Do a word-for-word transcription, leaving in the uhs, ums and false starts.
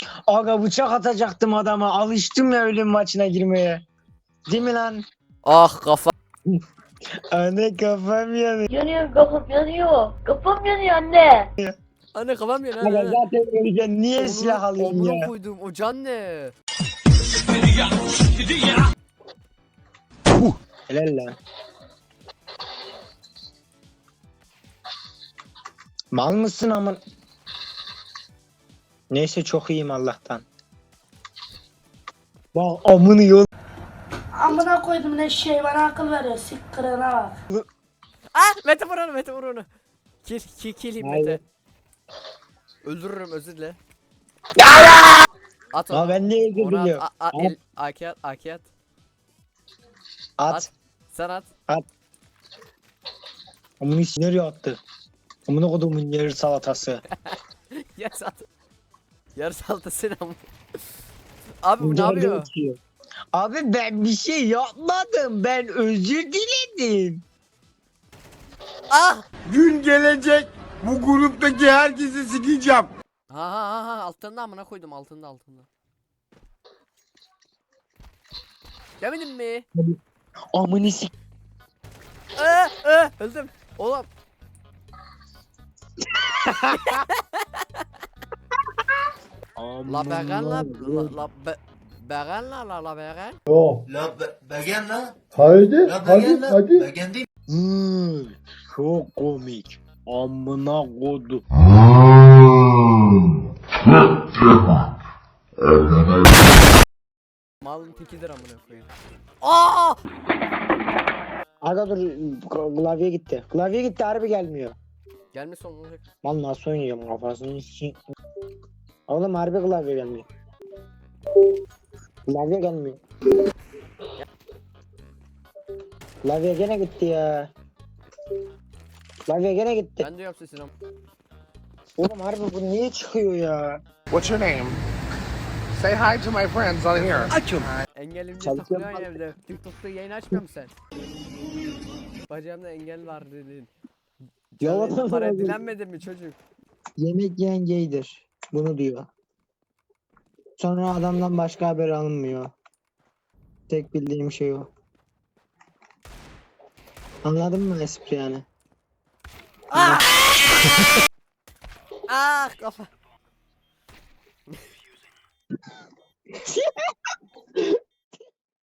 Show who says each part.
Speaker 1: Aga bıçak atacaktım adama. Alıştım ya ölüm maçına girmeye. Değil mi lan?
Speaker 2: Ah kafa.
Speaker 1: Anne kafam yanıyor.
Speaker 3: Yanıyor kafam yanıyor. Kafam yanıyor anne.
Speaker 2: Anne kafam yanıyor.
Speaker 1: Aga
Speaker 2: Anne.
Speaker 1: zaten öleceğim. Niye silah alayım
Speaker 2: Omuna
Speaker 1: ya?
Speaker 2: koydum. O can ne?
Speaker 1: Helal lan. Mal mısın amın? Neyse çok iyiyim Allah'tan. Bak amını yol.
Speaker 4: Amına koydum ne şey bana akıl veriyor. Sik kırana bak.
Speaker 2: Ah Mete vur onu Mete vur onu. Kill kill kill him
Speaker 1: Hayır.
Speaker 2: Mete. Öldürürüm özür dile. At
Speaker 1: Aa,
Speaker 2: onu.
Speaker 1: ben niye
Speaker 2: Onu at.
Speaker 1: öldürülüyor?
Speaker 2: A- a-
Speaker 1: At.
Speaker 2: el- A K at A K at.
Speaker 1: At.
Speaker 2: Sen at.
Speaker 1: Amını nereye attı? Amına kodumun yarı salatası.
Speaker 2: Yarı at. Yarı salta sen ama. Abi bu ne
Speaker 1: Nerede
Speaker 2: yapıyor?
Speaker 1: uçuyor? Abi ben bir şey yapmadım. Ben özür diledim.
Speaker 2: Ah!
Speaker 5: Gün gelecek bu gruptaki herkesi sikeceğim.
Speaker 2: Ha ha ha ha altında amına koydum altında altında. Yemedin mi?
Speaker 1: Amını sik.
Speaker 2: Ee, ee, öldüm. Oğlum. La beğen la la la be beğen la la la beğen.
Speaker 6: Yok.
Speaker 7: La be- begen la.
Speaker 6: Haydi,
Speaker 7: La
Speaker 6: hadi,
Speaker 7: begen la.
Speaker 6: hadi.
Speaker 7: Begen değil.
Speaker 1: Hmm, çok komik. Amına kodu.
Speaker 2: Malın tekidir amına koyayım. Aa!
Speaker 1: Aga dur klavye gitti. Klavye gitti harbi gelmiyor.
Speaker 2: Gelmiş son olacak.
Speaker 1: Lan nasıl oynayacağım kafasını sik. Oğlum harbi klavye gelmiyor. Klavye gelmiyor. Klavye gene gitti ya. Klavye gene gitti.
Speaker 2: Ben diyorum sesini ama.
Speaker 1: Oğlum harbi bu niye çıkıyor ya?
Speaker 5: What's your name? Say hi to my friends on here.
Speaker 1: Açım.
Speaker 2: Engelimce
Speaker 1: Çalışıyorum
Speaker 2: takılıyorsun evde. TikTok'ta yayın açmıyor musun sen? Bacağımda engel var dedin.
Speaker 1: Yalan
Speaker 2: Canın para
Speaker 1: söylüyorum.
Speaker 2: dilenmedin mi çocuk?
Speaker 1: Yemek yiyen gaydir. Bunu diyor. Sonra adamdan başka haber alınmıyor. Tek bildiğim şey o. Anladın mı espri yani?
Speaker 2: Ah! Ah kafa.